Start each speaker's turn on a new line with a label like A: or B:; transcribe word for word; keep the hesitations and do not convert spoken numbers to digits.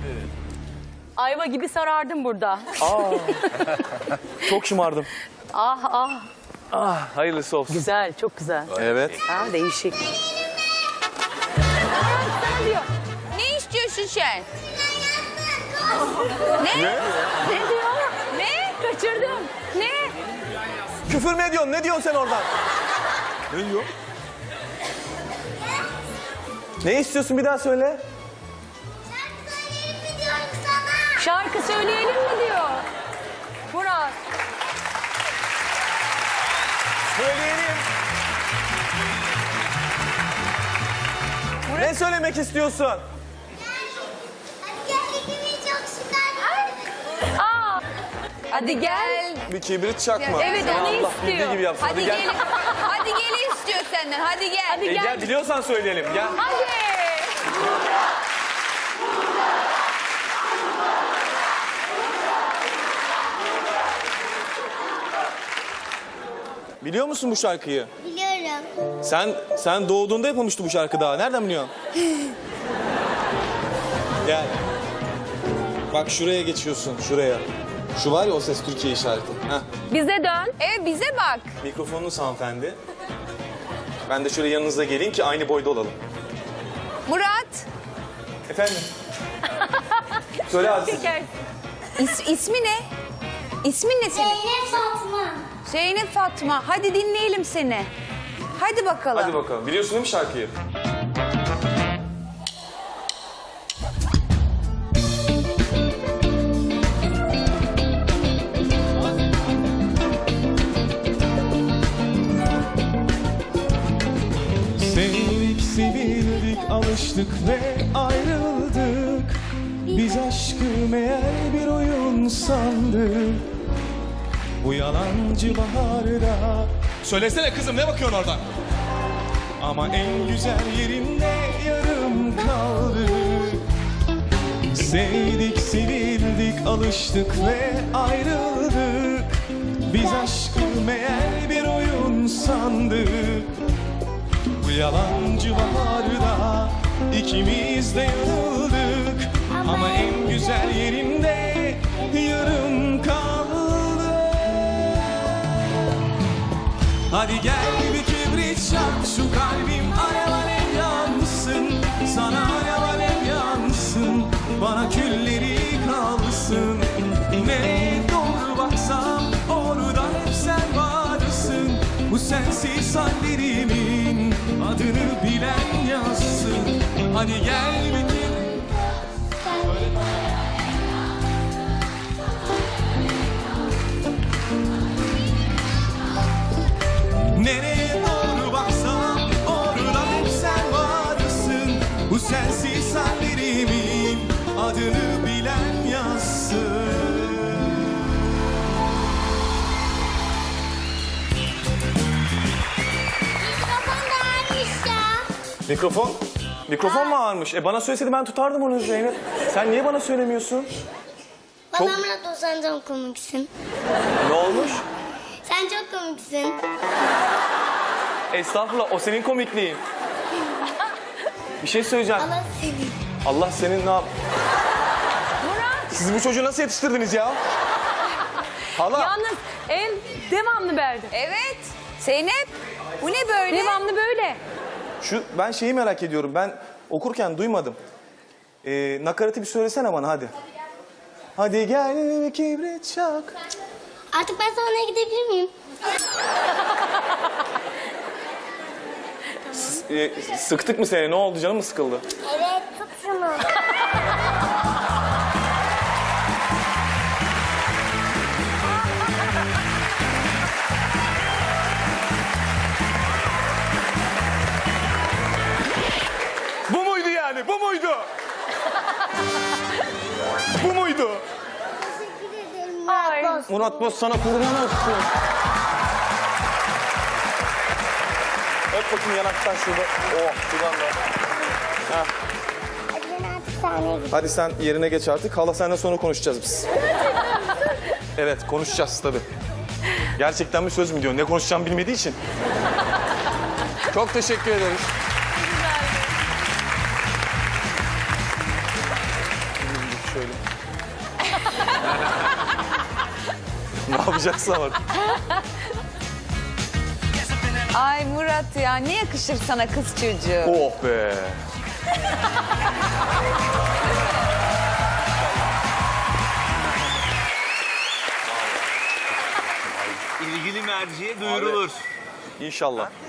A: Ayva gibi sarardım burada.
B: Aa, çok şımardım.
A: Ah ah.
B: Ah, hayırlısı olsun.
A: Güzel, çok güzel.
B: Evet.
A: Ha, değişik. Sana diyor.
C: Ne istiyorsun sen? Ne?
B: Ne?
A: Ne diyor?
C: Ne?
A: Kaçırdım. Ne?
B: Küfür mü ediyorsun? Ne diyorsun sen oradan? Ne diyor? Ne istiyorsun bir daha söyle.
A: Şarkı söyleyelim mi diyor. Murat.
B: Söyleyelim. Ne söylemek istiyorsun?
A: Aa. Hadi gel.
B: Bir kibrit çakma.
A: Evet,
B: Seni
A: onu
B: Allah
A: istiyor.
B: bildiği gibi yapsın.
C: Hadi gel. Hadi gel istiyor senden. Hadi gel.
A: Hadi
B: E,
A: gel.
B: gel biliyorsan söyleyelim. Gel.
A: Hadi.
B: Biliyor musun bu şarkıyı?
D: Biliyorum.
B: Sen sen doğduğunda yapılmıştı bu şarkı daha. Nereden biliyorsun? Gel. Bak şuraya geçiyorsun, şuraya. Şu var ya o Ses Türkiye işareti. Heh.
A: Bize dön.
C: E bize bak.
B: Mikrofonunuz hanımefendi. Ben de şöyle yanınıza geleyim ki aynı boyda olalım.
C: Murat.
B: Efendim? Söyle Aziz.
A: Çeker.
C: İs, ismi ne? İsmin ne senin?
D: Zeynep Fatma.
C: Zeynep Fatma. Hadi dinleyelim seni. Hadi bakalım.
B: Hadi bakalım. Biliyorsun değil mi şarkıyı?
E: Sevdik, sevildik, alıştık ve ayrıldık. Biz aşkı meğer bir oyun sandık. Bu yalancı baharda. Söylesene kızım, ne bakıyorsun oradan? Ama en güzel yerinde yarım kaldı. Sevdik, sevildik, alıştık ve ayrıldık. Biz aşkı meğer bir oyun sandık. Bu yalancı baharda ikimiz de yanıldık. Ama en güzel yerinde yarım kaldı. Hadi gel bir kibrit çak, şu kalbim alev alev yansın. Sana alev alev yansın, bana külleri kalsın. Nereye doğru baksam orada hep sen varsın. Bu sensiz hallerimin adını bilen yazsın. Hadi gel bir kibrit. Nereye doğru baksam orada hep sen varsın. Bu sensiz hallerimin adını bilen yazsın.
D: Mikrofon da varmış ya.
B: Mikrofon? Mikrofon mu ağırmış? E bana söyleseydi ben tutardım onu Zeynep. Sen niye bana söylemiyorsun?
D: Bana
B: Çok-
D: Murat o sen çok komiksin.
B: Ne olmuş?
D: Sen çok komiksin.
B: Estağfurullah, o senin komikliğin. Bir şey söyleyeceğim.
D: Allah seni.
B: Allah senin ne yap...
A: Murat.
B: Siz bu çocuğu nasıl yetiştirdiniz ya? Hala.
A: Yalnız en devamlı verdi.
C: Evet. Zeynep. Bu ne böyle?
A: Devamlı böyle.
B: Şu, ben şeyi merak ediyorum. Ben okurken duymadım. Ee, nakaratı bir söylesene bana hadi. Hadi gel bir kibrit çak.
D: Artık ben sahneye gidebilir miyim?
B: Ee, sıktık mı seni? Ne oldu? Canın mı sıkıldı?
D: Evet, tut şunu.
B: Bu muydu yani? Bu muydu? Bu muydu?
D: Teşekkür ederim
A: Ay.
D: Murat Boz.
B: Murat Boz sana kurban olsun. Öp bakayım yanaktan şurada. Oh şuradan da. Heh.
D: Hadi ben artık sahneye gidiyorum.
B: Hadi sen yerine geç artık. Hala senden sonra konuşacağız biz. Evet konuşacağız tabii. Gerçekten mi söz mü diyor? Ne konuşacağımı bilmediği için. Çok teşekkür ederiz. söyle. Ne yapacaksın ama?
C: Ay Murat ya ne yakışır sana kız çocuğu.
B: Oh be.
F: İlgili merciye duyurulur.
B: İnşallah.